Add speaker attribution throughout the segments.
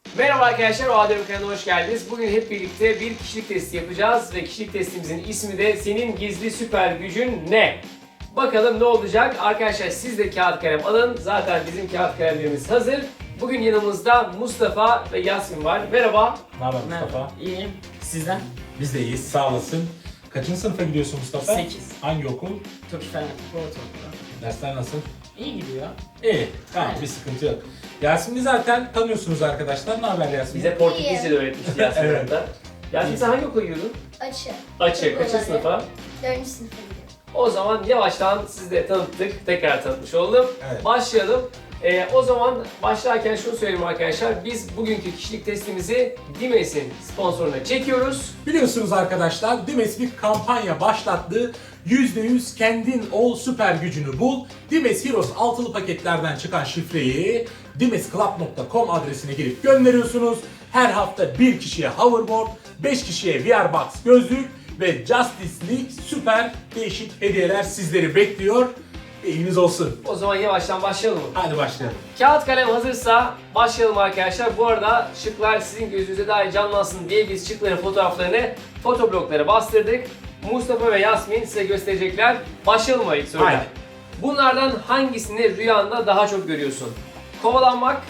Speaker 1: Merhaba arkadaşlar, o Adem kanalına hoş geldiniz. Bugün hep birlikte bir kişilik testi yapacağız ve kişilik testimizin ismi de senin gizli süper gücün ne? Bakalım ne olacak? Arkadaşlar siz de kağıt kalem alın. Zaten bizim kağıt kalemlerimiz hazır. Bugün yanımızda Mustafa ve Yasmin var. Merhaba.
Speaker 2: Ne haber Mustafa?
Speaker 3: İyiyim. Sizden?
Speaker 2: Biz de iyiyiz, sağ olasın. Kaçıncı sınıfa gidiyorsun Mustafa?
Speaker 3: 8.
Speaker 2: Hangi okul?
Speaker 3: Türk Fen Ortaokulu.
Speaker 2: Dersler nasıl?
Speaker 3: İyi gidiyor.
Speaker 2: İyi, tamam
Speaker 3: Aynen.
Speaker 2: bir sıkıntı yok. Yasemin'i zaten tanıyorsunuz arkadaşlar. Ne haber Yasemin?
Speaker 1: Bize Portekizce de öğretmişti Yasmin
Speaker 2: Evet.
Speaker 1: hatta. Yasmin sen hangi okula gidiyordun?
Speaker 4: Açı.
Speaker 1: Açık. Kaçıncı
Speaker 4: Okulları.
Speaker 1: sınıfa?
Speaker 4: 4. sınıfa gidiyorum.
Speaker 1: O zaman yavaştan sizi de tanıttık. Tekrar tanıtmış oldum.
Speaker 2: Evet.
Speaker 1: Başlayalım. O zaman başlarken şunu söyleyeyim arkadaşlar. Biz bugünkü kişilik testimizi Dimes'in sponsoruna çekiyoruz.
Speaker 2: Biliyorsunuz arkadaşlar, Dimes bir kampanya başlattı. %100 kendin ol, süper gücünü bul. Dimes Heroes altılı paketlerden çıkan şifreyi dimesclub.com adresine girip gönderiyorsunuz. Her hafta bir kişiye hoverboard, 5 kişiye VR Box gözlük ve Justice League süper değişik hediyeler sizleri bekliyor. İlginiz olsun.
Speaker 1: O zaman yavaştan başlayalım mı?
Speaker 2: Hadi başlayalım.
Speaker 1: Kağıt kalem hazırsa başlayalım arkadaşlar. Bu arada şıklar sizin gözünüze daha iyi canlansın diye biz şıkların fotoğraflarını fotobloklara bastırdık. Mustafa ve Yasmin size gösterecekler. Başlayalım mı ilk soruyla?
Speaker 2: Haydi.
Speaker 1: Bunlardan hangisini rüyanda daha çok görüyorsun? Kovalanmak,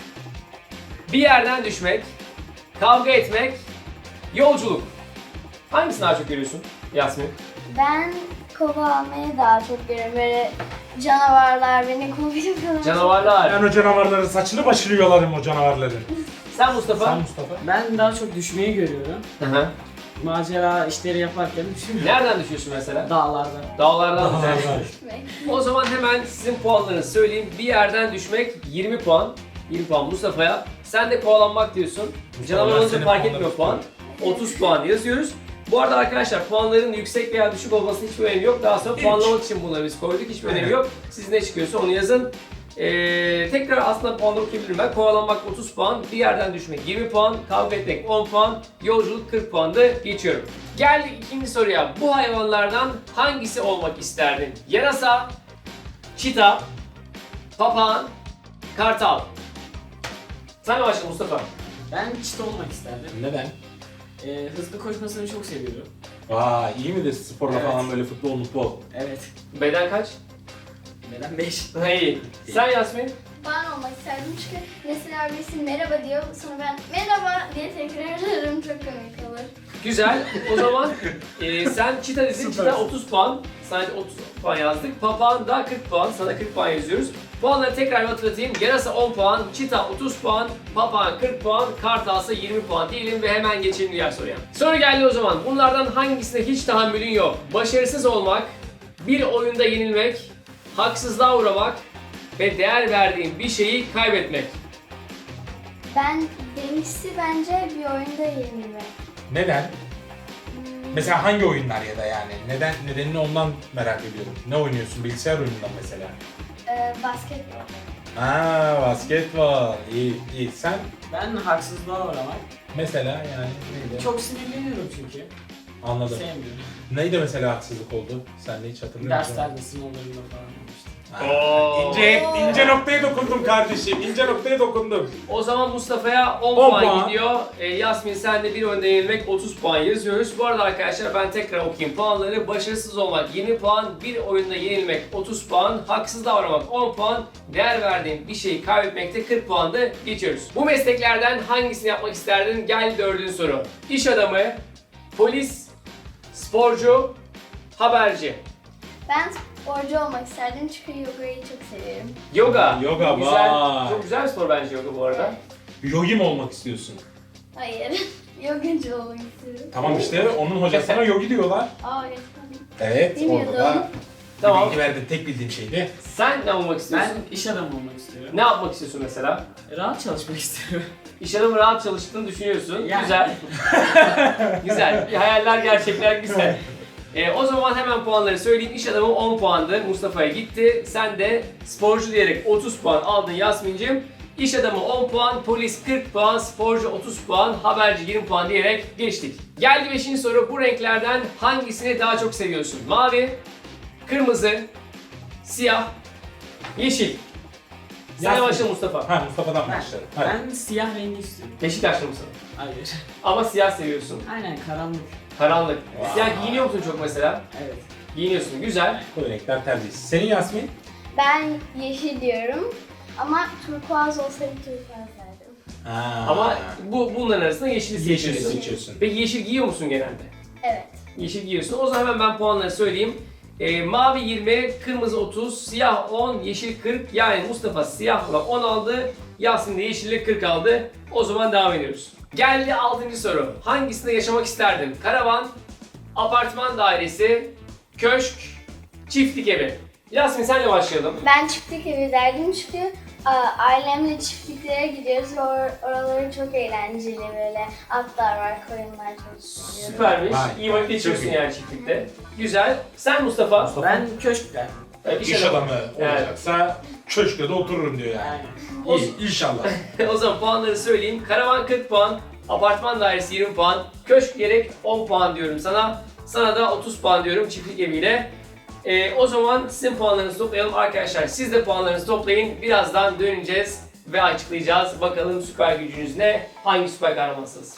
Speaker 1: bir yerden düşmek, kavga etmek, yolculuk. Hangisini daha çok görüyorsun Yasmin?
Speaker 4: Ben kova almayı daha çok görüyorum. Böyle canavarlar beni kovuyor falan.
Speaker 1: Canavarlar.
Speaker 2: Ben o canavarların saçını başını yolarım o canavarların.
Speaker 1: Sen Mustafa?
Speaker 2: Sen Mustafa?
Speaker 3: Ben daha çok düşmeyi görüyorum.
Speaker 1: Hı hı.
Speaker 3: Macera işleri yaparken düşüyorum.
Speaker 1: Nereden düşüyorsun mesela?
Speaker 3: Dağlarda.
Speaker 1: Dağlardan mı?
Speaker 4: Düşmek.
Speaker 1: O zaman hemen sizin puanlarınızı söyleyeyim. Bir yerden düşmek 20 puan. 20 puan Mustafa'ya. Sen de kovalanmak diyorsun. Canavar
Speaker 2: ben
Speaker 1: olunca
Speaker 2: senin
Speaker 1: fark
Speaker 2: puanlarını
Speaker 1: etmiyor puan. 30 puan yazıyoruz. Bu arada arkadaşlar puanların yüksek veya düşük olmasının hiçbir önemi yok. Daha sonra
Speaker 2: Hiç.
Speaker 1: puanlamak için bunları biz koyduk. Hiçbir önemi
Speaker 2: Evet.
Speaker 1: yok. Siz ne çıkıyorsa onu yazın. Tekrar aslında puanları okuyabilirim ben. Kovalanmak 30 puan, bir yerden düşmek 20 puan, kavga etmek 10 puan, yolculuk 40 puandı. Geçiyorum. Geldik ikinci soruya. Bu hayvanlardan hangisi olmak isterdin? Yarasa, çita, papağan, kartal. Sen başla Mustafa.
Speaker 3: Ben çita olmak isterdim.
Speaker 2: Neden?
Speaker 3: Hızlı koşmasını çok seviyorum.
Speaker 2: Vay, iyi midir sporla
Speaker 3: Evet.
Speaker 2: falan böyle futbol?
Speaker 3: Evet.
Speaker 1: Beden kaç?
Speaker 3: Neden 5?
Speaker 1: İyi. Sen Yasmin?
Speaker 4: Ben olmak isterdim çünkü mesela birisi merhaba diyor. Sonra ben merhaba diye tekrar ederim. Çok komik olur.
Speaker 1: Güzel. O zaman sen çita dedin. Çita 30 puan. Sadece 30 puan yazdık. Papağan da 40 puan. Sana 40 puan yazıyoruz. Puanları tekrar hatırlatayım. Yarasa 10 puan, çita 30 puan, papağan 40 puan, kartalsa 20 puan diyelim ve hemen geçelim diğer soruya. Soru geldi o zaman. Bunlardan hangisine hiç tahammülün yok? Başarısız olmak, bir oyunda yenilmek, haksızlığa uğramak ve değer verdiğin bir şeyi kaybetmek.
Speaker 4: Benimkisi bence bir oyunda yenilmek.
Speaker 2: Neden? Mesela hangi oyunlar ya da yani? Nedenini ondan merak ediyorum. Ne oynuyorsun? Bilgisayar oyunundan mesela.
Speaker 4: Basketbol.
Speaker 2: Basketbol. İyi. Sen
Speaker 3: Ben haksızlığa uğramak.
Speaker 2: mesela yani neydi?
Speaker 3: Çok sinirleniyorum çünkü.
Speaker 2: Anladım.
Speaker 3: Sevmiyorum.
Speaker 2: Neydi mesela haksızlık oldu? Sen de hiç hatırlıyor musun?
Speaker 3: Derslerde, sınavlarında falan işte.
Speaker 2: İnce noktaya dokundum kardeşim. İnce noktaya dokundum.
Speaker 1: O zaman Mustafa'ya 10
Speaker 2: 10
Speaker 1: puan
Speaker 2: puan.
Speaker 1: gidiyor. Yasmin sen de bir oyunda yenilmek 30 puan yazıyoruz. Bu arada arkadaşlar ben tekrar okuyayım puanları. Başarısız olmak 20 puan, bir oyunda yenilmek 30 puan, haksız davranmak 10 puan, değer verdiğin bir şeyi kaybetmekte 40 puanda geçiyoruz. Bu mesleklerden hangisini yapmak isterdin? Gel dördüncü soru. İş adamı, polis, sporcu, haberci.
Speaker 4: Ben sporcu olmak isterdim çünkü yogayı çok seviyorum.
Speaker 1: Yoga.
Speaker 2: Yoga,
Speaker 1: güzel.
Speaker 2: vay.
Speaker 1: Çok güzel bir spor bence yoga bu arada.
Speaker 2: Yogi mi olmak istiyorsun?
Speaker 4: Hayır. Yogacı olmak istiyorum.
Speaker 2: Tamam işte onun hocasına yogi diyorlar.
Speaker 4: Gerçekten.
Speaker 2: Evet,
Speaker 4: Bilmiyordum.
Speaker 2: orada da
Speaker 1: Tamam.
Speaker 2: bilgi verdim. Tek bildiğim şeydi.
Speaker 1: Sen ne olmak istiyorsun?
Speaker 3: Ben iş adamı olmak istiyorum.
Speaker 1: Ne yapmak istiyorsun mesela?
Speaker 3: Rahat çalışmak istiyorum.
Speaker 1: İş adamı rahat çalıştığını düşünüyorsun.
Speaker 3: Yani.
Speaker 1: Güzel. Güzel. Hayaller gerçekler güzel. O zaman hemen puanları söyleyeyim. İş adamı 10 puandı. Mustafa'ya gitti. Sen de sporcu diyerek 30 puan aldın Yasmin'cim. İş adamı 10 puan, polis 40 puan, sporcu 30 puan, haberci 20 puan diyerek geçtik. Geldi 5. soru. Bu renklerden hangisini daha çok seviyorsun? Mavi, kırmızı, siyah, yeşil. Sen
Speaker 2: Yasmin.
Speaker 1: başla Mustafa.
Speaker 2: Ha, Mustafa'dan başlayalım. Hadi.
Speaker 3: Ben siyah rengi istiyorum.
Speaker 1: Beşiktaşlı mısın?
Speaker 3: Hayır.
Speaker 1: Ama siyah seviyorsun.
Speaker 3: Aynen karanlık.
Speaker 1: Karanlık.
Speaker 2: Vay.
Speaker 1: Siyah giyiniyor musun çok mesela?
Speaker 3: Evet.
Speaker 1: Giyiniyorsun. Güzel.
Speaker 2: Bu renkler tercih. Senin Yasmin?
Speaker 4: Ben yeşil diyorum. Ama turkuaz olsaydı turkuaz derdim.
Speaker 2: Ha.
Speaker 1: Ama bunların arasında yeşili
Speaker 2: yeşil
Speaker 1: seçiyorsun.
Speaker 2: seçiyorsun.
Speaker 1: Peki yeşil giyiyor musun genelde?
Speaker 4: Evet.
Speaker 1: Yeşil giyiyorsun. O zaman hemen ben puanları söyleyeyim. Mavi 20, kırmızı 30, siyah 10, yeşil 40. Yani Mustafa siyahla 10 aldı, Yasin de yeşille 40 aldı. O zaman devam ediyoruz. Geldi 6. soru. Hangisinde yaşamak isterdin? Karavan, apartman dairesi, köşk, çiftlik evi. Yasin senle başlayalım.
Speaker 4: Ben çiftlik evi derdim çünkü ailemle çiftliklere gidiyoruz ve oraları çok eğlenceli böyle atlar var, koyunlar çok seviyorum.
Speaker 1: Süpermiş.
Speaker 2: Vay.
Speaker 1: İyi vakit geçiriyorsun
Speaker 2: Çok iyi.
Speaker 1: yani çiftlikte. Güzel. Sen Mustafa.
Speaker 2: Mustafa.
Speaker 3: Ben köşk derdim.
Speaker 2: İş adamı olacaksa köşkte de otururum diyor yani.
Speaker 3: Aynen.
Speaker 2: İyi, inşallah.
Speaker 1: O zaman puanları söyleyeyim. Karavan 40 puan, apartman dairesi 20 puan, köşk gerek 10 puan diyorum sana. Sana da 30 puan diyorum çiftlik eviyle. O zaman sizin puanlarınızı toplayalım arkadaşlar. Siz de puanlarınızı toplayın. Birazdan döneceğiz ve açıklayacağız. Bakalım süper gücünüz ne? Hangi süper kahramansınız?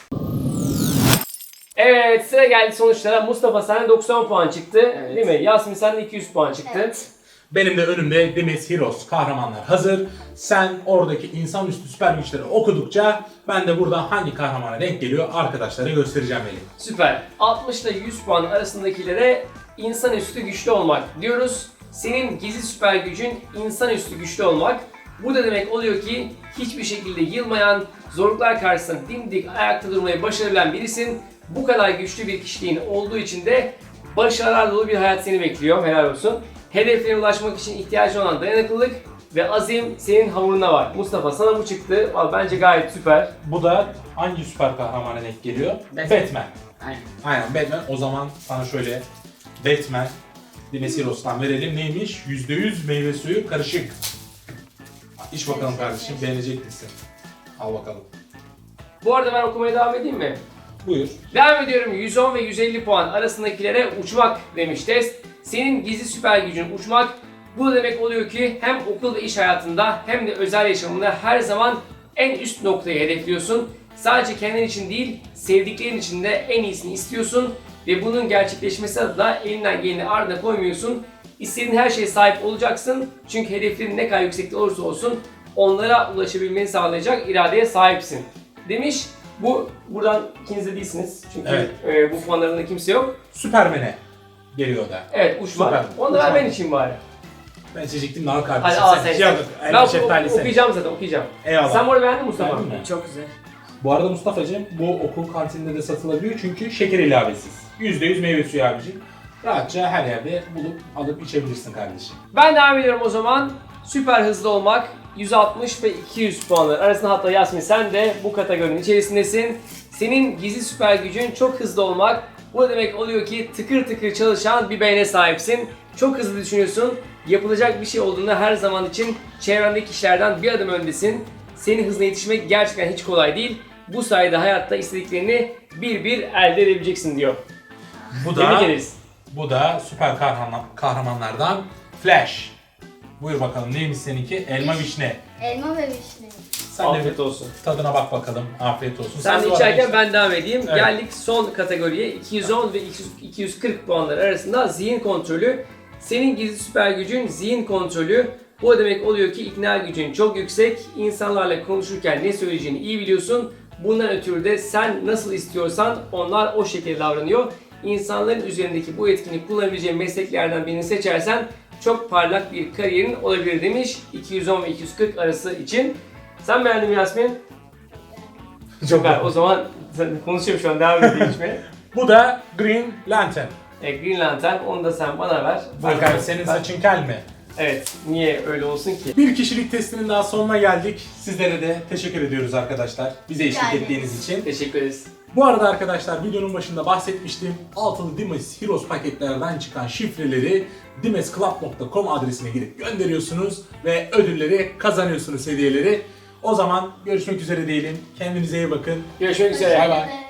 Speaker 1: Evet, sıra geldi sonuçlara. Mustafa sende 90 puan çıktı,
Speaker 3: Evet.
Speaker 1: değil mi? Yasmin sende 200 puan çıktı.
Speaker 4: Evet.
Speaker 2: Benim de önümde Dimes Heroes kahramanlar hazır. Sen oradaki insanüstü süper güçleri okudukça ben de burada hangi kahramana denk geliyor arkadaşlara göstereceğim Melih.
Speaker 1: Süper. 60 ile 100 puan arasındakilere insanüstü güçlü olmak diyoruz. Senin gizli süper gücün insanüstü güçlü olmak. Bu da demek oluyor ki hiçbir şekilde yılmayan, zorluklar karşısında dimdik ayakta durmayı başarabilen birisin. Bu kadar güçlü bir kişiliğin olduğu için de başarılar dolu bir hayat seni bekliyor. Helal olsun. Hedeflerine ulaşmak için ihtiyacın olan dayanıklılık ve azim senin hamurunda var. Mustafa sana bu çıktı. Vallahi bence gayet süper.
Speaker 2: Bu da hangi süper kahramana denk geliyor?
Speaker 3: Batman.
Speaker 2: Batman.
Speaker 3: Aynen.
Speaker 2: Aynen Batman. O zaman sana şöyle Batman Dimes Heroes'tan verelim. Neymiş? %100 meyve suyu karışık. İç bakalım kardeşim, beğenecek misin? Al bakalım.
Speaker 1: Bu arada ben okumaya devam edeyim mi?
Speaker 2: Buyur.
Speaker 1: Devam ediyorum. 110 ve 150 puan arasındakilere uçmak demiş test. Senin gizli süper gücün uçmak. Bu da demek oluyor ki hem okul ve iş hayatında hem de özel yaşamında her zaman en üst noktayı hedefliyorsun. Sadece kendin için değil, sevdiklerin için de en iyisini istiyorsun. Ve bunun gerçekleşmesi adına elinden geleni ardına koymuyorsun. İstediğin her şeye sahip olacaksın. Çünkü hedeflerin ne kadar yüksekte olursa olsun onlara ulaşabilmeni sağlayacak iradeye sahipsin. Demiş. Buradan ikiniz de değilsiniz. Çünkü bu puanlarında kimse yok.
Speaker 2: Superman'e geliyor da.
Speaker 1: Evet uçmak.
Speaker 2: Süper.
Speaker 1: Onu da ver
Speaker 2: Uçmak.
Speaker 1: ben için bari.
Speaker 2: Ben seçecektim daha kardeşim.
Speaker 1: Hadi al sen.
Speaker 2: Yok,
Speaker 1: Ben
Speaker 2: şeftali sen.
Speaker 1: okuyacağım zaten okuyacağım.
Speaker 2: Eyvallah.
Speaker 1: Sen bu arada beğendin mi Mustafa?
Speaker 2: Beğendin mi?
Speaker 3: Çok güzel.
Speaker 2: Bu arada Mustafa'cığım bu okul kantininde de satılabiliyor çünkü şeker ilavesiz. %100 meyve suyu abicim. Rahatça her yerde bulup alıp içebilirsin kardeşim.
Speaker 1: Ben devam ediyorum o zaman. Süper hızlı olmak 160 ve 200 puanlar arasında, hatta Yasmin sen de bu kategorinin içerisindesin. Senin gizli süper gücün çok hızlı olmak. Bu da demek oluyor ki tıkır tıkır çalışan bir beyne sahipsin. Çok hızlı düşünüyorsun. Yapılacak bir şey olduğunda her zaman için çevrendeki kişilerden bir adım öndesin. Senin hızına yetişmek gerçekten hiç kolay değil. Bu sayede hayatta istediklerini bir bir elde edebileceksin diyor.
Speaker 2: Bu
Speaker 1: Tebrik
Speaker 2: da
Speaker 1: ederiz.
Speaker 2: bu da süper kahramanlardan Flash. Buyur bakalım neymiş seninki? Elma vişne.
Speaker 4: Elma ve vişne.
Speaker 2: Sen de
Speaker 1: Afiyet
Speaker 2: bir
Speaker 1: olsun.
Speaker 2: tadına bak bakalım. Afiyet olsun.
Speaker 1: Sen de
Speaker 2: bu
Speaker 1: içerken
Speaker 2: arada-
Speaker 1: ben devam edeyim.
Speaker 2: Evet.
Speaker 1: Geldik son kategoriye. 210 ve 240 puanlar arasında zihin kontrolü. Senin gizli süper gücün zihin kontrolü. Bu demek oluyor ki ikna gücün çok yüksek. İnsanlarla konuşurken ne söyleyeceğini iyi biliyorsun. Bundan ötürü de sen nasıl istiyorsan onlar o şekilde davranıyor. İnsanların üzerindeki bu etkinliği kullanabileceğin mesleklerden birini seçersen çok parlak bir kariyerin olabilir demiş 210 ve 240 arası için. Sen beğendin mi Yasmin? Süper. O zaman konuşuyorum şu an, devam edeyim içmeye.
Speaker 2: Bu da Green Lantern.
Speaker 1: Green Lantern, onu da sen bana ver.
Speaker 2: Bakar senin saçın kel mi?
Speaker 1: Evet, niye öyle olsun ki?
Speaker 2: Bir kişilik testinin daha sonuna geldik. Sizlere de teşekkür ediyoruz arkadaşlar. Bize eşlik
Speaker 4: Yani.
Speaker 2: ettiğiniz için.
Speaker 1: Teşekkür ederiz.
Speaker 2: Bu arada arkadaşlar videonun başında bahsetmiştim. Altılı Dimes Heroes paketlerden çıkan şifreleri dimesclub.com adresine girip gönderiyorsunuz ve ödülleri kazanıyorsunuz, hediyeleri. O zaman görüşmek üzere diyelim. Kendinize iyi bakın.
Speaker 1: Görüşmek üzere.
Speaker 2: Bay bay.